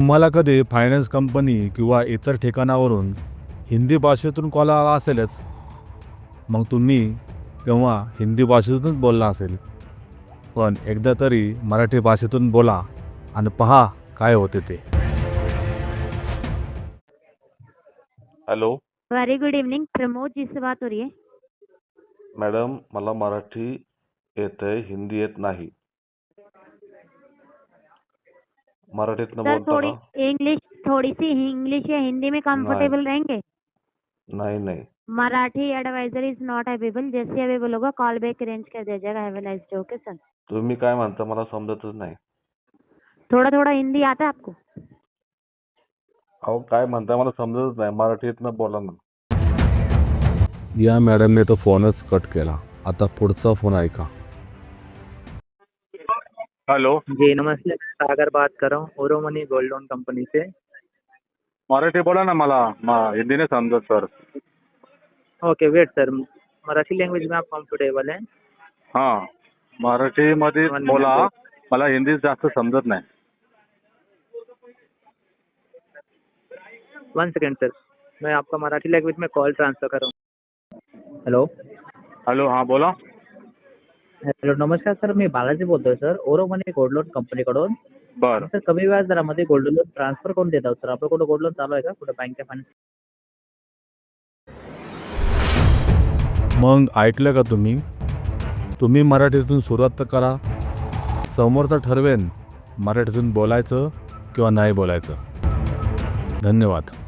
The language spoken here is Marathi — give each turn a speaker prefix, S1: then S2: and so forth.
S1: तुम्हाला कधी फायनान्स कंपनी किंवा इतर ठिकाणावरून हिंदी भाषेतून कॉल आला असेलच, मग तुम्ही तेव्हा हिंदी भाषेतूनच बोलला असेल. पण एकदा तरी मराठी भाषेतून बोला आणि पहा काय होते ते.
S2: Hello
S3: very good evening, Pramod ji से बात हो रही है.
S2: मॅडम, मला मराठी येतंय, हिंदी येत नाही. मराठीतनं
S3: सर
S2: बोलता
S3: थोड़ी
S2: का?
S3: इंग्लिश, थोड़ी सी इंग्लिश या हिंदी में कंफर्टेबल रहेंगे?
S2: नाही.
S3: Marathi advisor is not available. जैसे अवेलेबल होगा कॉल बैक अरेंज कर दिया जाएगा. Have a nice day. Okay sir.
S2: तुम्ही काय म्हणता मला समजतच नाही.
S3: थोड़ा थोड़ा हिंदी आता है आपको?
S2: अहो काय म्हणता मला समजतच नाही. मराठीतनं बोला ना.
S1: या मॅडमने तो फोनच कट केला. आता पुढचा फोन ऐका.
S4: हेलो
S5: जी नमस्ते, मैं सागर बात कर रहा हूँ Oro money gold loan company से.
S4: मराठी बोला ना. मला हिंदी नाही समजत sir.
S5: Okay wait sir, Marathi language में आप कम्फर्टेबल हैं?
S4: हां, मराठीमध्ये
S5: One
S4: बोला.
S5: minute.
S4: मला हिंदी जास्त समजत नाही.
S5: वन सेकेंड सर, मैं आपका मराठी लैंग्वेज में कॉल ट्रांसफर कर रहा हूँ. हॅलो
S4: हॅलो, हां बोला.
S5: हॅलो नमस्कार सर, मी बालाजी बोलतोय सर, ओरो मनी गोल्ड लोन कंपनीकडून.
S4: बरं.
S5: सर कमी व्याज दरामध्ये गोल्ड लोन ट्रान्सफर करून देत आहोत सर. आपलं कुठं गोल्ड लोन चालू आहे का कुठं बँक फायनान्स?
S1: मग ऐकलं का तुम्ही? तुम्ही मराठीतून सुरुवात तर करा. समोरचा ठरवेन मराठीतून बोलायचं किंवा नाही बोलायचं. धन्यवाद.